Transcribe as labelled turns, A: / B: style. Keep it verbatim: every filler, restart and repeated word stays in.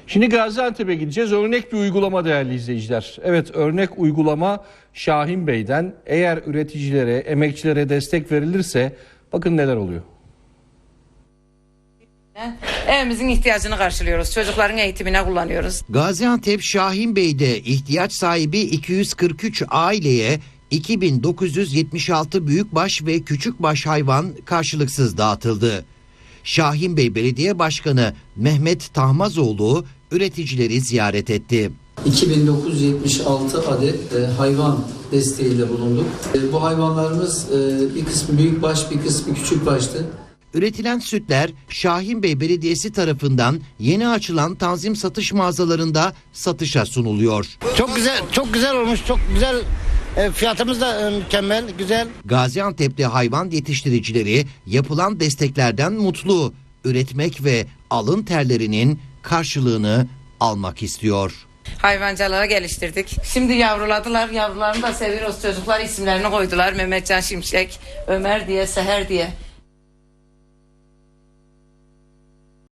A: Şimdi Gaziantep'e gideceğiz. Örnek bir uygulama değerli izleyiciler. Evet, örnek uygulama Şahin Bey'den. Eğer üreticilere, emekçilere destek verilirse bakın neler oluyor.
B: Evimizin ihtiyacını karşılıyoruz. Çocukların eğitimine kullanıyoruz.
C: Gaziantep Şahin Bey'de ihtiyaç sahibi iki yüz kırk üç aileye iki bin dokuz yüz yetmiş altı büyükbaş ve küçükbaş hayvan karşılıksız dağıtıldı. Şahin Bey Belediye Başkanı Mehmet Tahmazoğlu üreticileri ziyaret etti.
D: iki bin dokuz yüz yetmiş altı adet e, hayvan desteğiyle bulunduk. E, bu hayvanlarımız e, bir kısmı büyükbaş, bir kısmı küçükbaştı.
C: Üretilen sütler Şahin Bey Belediyesi tarafından yeni açılan tanzim satış mağazalarında satışa sunuluyor.
E: Çok güzel, çok güzel olmuş, çok güzel. E, fiyatımız da e, mükemmel, güzel.
C: Gaziantep'te hayvan yetiştiricileri yapılan desteklerden mutlu. Üretmek ve alın terlerinin karşılığını almak istiyor.
B: Hayvancılığı geliştirdik. Şimdi yavruladılar. Yavrularını da seviyoruz. Çocuklar isimlerini koydular. Mehmetcan Şimşek, Ömer diye, Seher diye.